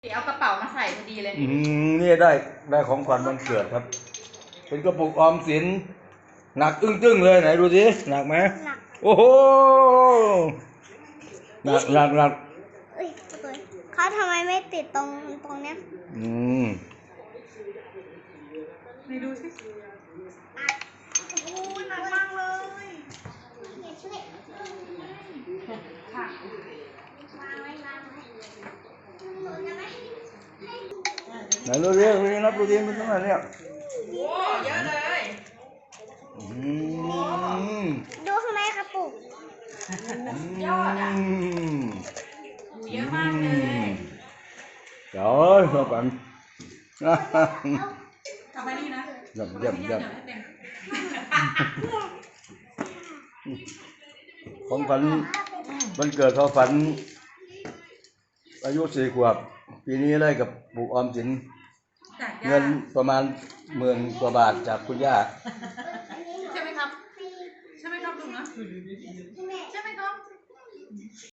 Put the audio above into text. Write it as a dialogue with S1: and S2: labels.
S1: เอากระเป๋ามาใส่พอดีเลย
S2: นี่ได้ของขวัญวันเกิดครับเป็นกระปุกออมสินหนักตึ้งเลยไหนดูสิหนักไหมหนักโอ้โหหนัก
S3: เขาทำไมไม่ติดตรงเนี้ย
S1: นี่ดูสิโอ้ยหนักมากเลยค่ะ
S2: ไหนดูสินับดูสิมันเท่าไหร่เนี่ย
S1: โอ้เยอะเลย
S3: ดูข้างในกระปุก
S1: ยอดอ่ะเยอะมากเลย
S2: trời ơi các bạn
S1: ทำไปนี่นะ
S2: dầm ของฝันวันเกิดเขาฝันอายุ4 ขวบปีนี้ได้กับปุกออมสินเงินประมาณ10,000 กว่าบาทจากคุณย่า
S1: ใช่ไหมครับใช่ไหมครับลุงนะใช่ไหมครับ